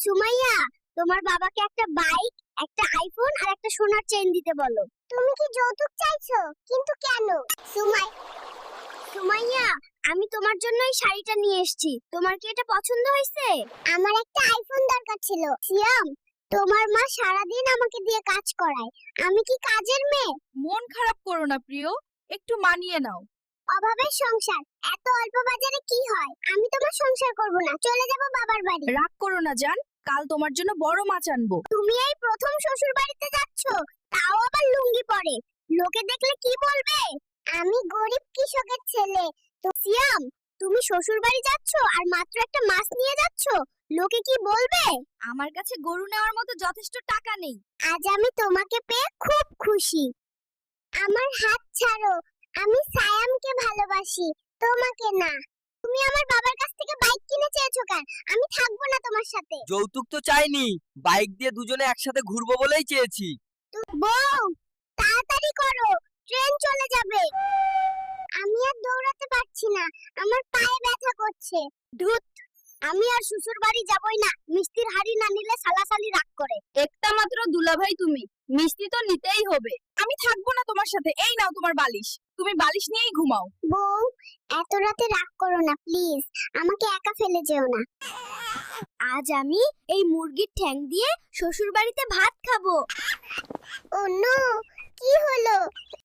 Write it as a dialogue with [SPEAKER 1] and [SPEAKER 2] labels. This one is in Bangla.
[SPEAKER 1] সুমাইয়া, তোমার বাবাকে একটা বাইক, একটা আইফোন আর একটা সোনার চেইন দিতে বলো। তুমি কি যৌতুক চাইছো? কিন্তু কেন? সুমাইয়া, আমি তোমার জন্য এই শাড়িটা নিয়ে এসেছি। তোমার কি এটা পছন্দ হয়েছে? আমার একটা আইফোন দরকার ছিল। সিয়াম, তোমার মা সারাদিন আমাকে দিয়ে কাজ করায়। আমি কি কাজের মেয়ে?
[SPEAKER 2] মন খারাপ করো না প্রিয়, একটু মানিয়ে নাও।
[SPEAKER 1] অভাবের সংসার, এত অল্প বাজারে কি হয়? আমি তোমার সংসার করব না, চলে যাব বাবার বাড়ি।
[SPEAKER 2] রাগ করো না জান, কাল তোমার জন্য বড় মাছ আনবো।
[SPEAKER 1] তুমি এই প্রথম শ্বশুর বাড়িতে যাচ্ছ, তাও আবার লুঙ্গি পরে। লোকে দেখলে কি বলবে? আমি গরিব কৃষকের ছেলে। তো সিয়াম, তুমি শ্বশুর বাড়ি যাচ্ছ আর মাত্র একটা মাছ নিয়ে যাচ্ছ, লোকে কি বলবে?
[SPEAKER 2] আমার কাছে গরু নেওয়ার মতো যথেষ্ট টাকা নেই।
[SPEAKER 1] আজ আমি তোমাকে পেয়ে খুব খুশি। আমার হাত ছাড়ো, আমি সায়ামকে ভালোবাসি, তোমাকে না। তুমি আমার বাবার কাছ থেকে বাইক কিনে চেয়েছো কেন? আমি থাকবো না তোমার সাথে।
[SPEAKER 3] যৌতুক তো চাইনি, বাইক দিয়ে দুজনে একসাথে ঘুরবো বলেই চেয়েছি।
[SPEAKER 1] বউ, তাড়াতাড়ি করো, ট্রেন চলে যাবে। আমি আর দৌড়াতে পারছি না, আমার পায়ে ব্যথা করছে। ধুত, আমি আর শ্বশুর বাড়ি যাবই না। মিষ্টির হাড়ি না নিলে সালাসালি রাগ করে।
[SPEAKER 2] একটা মাত্র দুলাভাই তুমি, মিষ্টি তো নিতেই হবে। আমি থাকবো না তোমার সাথে। এই নাও তোমার বালিশ, তুমি বালিশ নিয়েই ঘুমাও।
[SPEAKER 1] বউ, এত রাতে রাগ করো না প্লিজ, আমাকে একা ফেলে যেও না। আজ আমি এই মুরগির ঠ্যাং দিয়ে শ্বশুর বাড়িতে ভাত খাবো। ও নো, কি হলো?